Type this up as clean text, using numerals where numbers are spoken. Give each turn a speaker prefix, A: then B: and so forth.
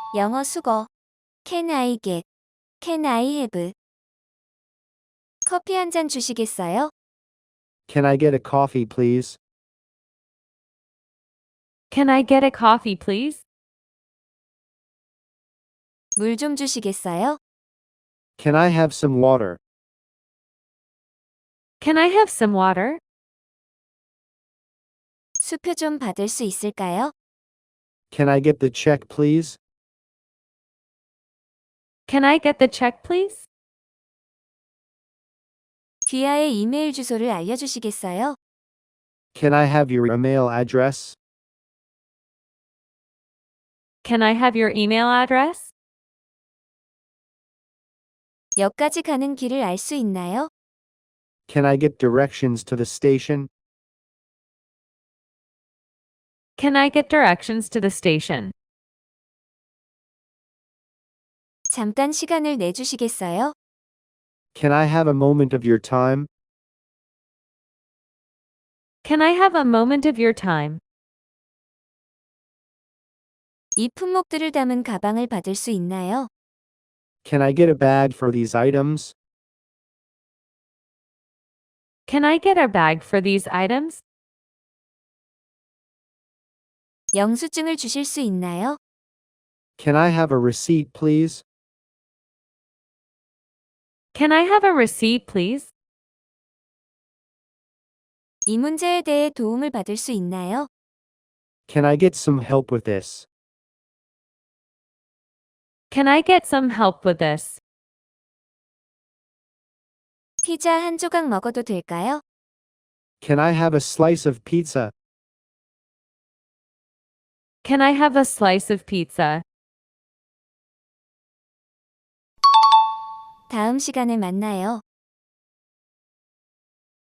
A: 영어 수거. Can I get? Can I have? 커피 한 잔 주시겠어요?
B: Can I get a coffee, please?
C: Can I get a coffee, please?
A: 물 좀 주시겠어요?
B: Can I have some water?
C: Can I have some water?
A: 수표 좀 받을 수 있을까요?
B: Can I get the check, please?
C: Can I get the check, please?
A: 디아의 이메일 주소를 알려주시겠어요?
B: Can I have your email address?
C: Can I have your email address?
A: 역까지 가는 길을 알 수 있나요?
B: Can I get directions to the station?
C: Can I get directions to the station?
A: 잠깐 시간을 내주시겠어요?
B: Can I have a moment of your time?
C: Can I have a moment of your time?
A: 이 품목들을 담은 가방을 받을 수 있나요?
B: Can I get a bag for these items?
C: Can I get a bag for these items?
A: 영수증을 주실 수 있나요?
B: Can I have a receipt, please?
C: Can I have a receipt, please?
A: 이 문제에 대해 도움을 받을 수 있나요?
B: Can I get some help with this?
C: Can I get some help with this?
A: 피자 한 조각 먹어도 될까요?
B: Can I have a slice of pizza?
C: Can I have a slice of pizza?
A: 다음 시간에 만나요.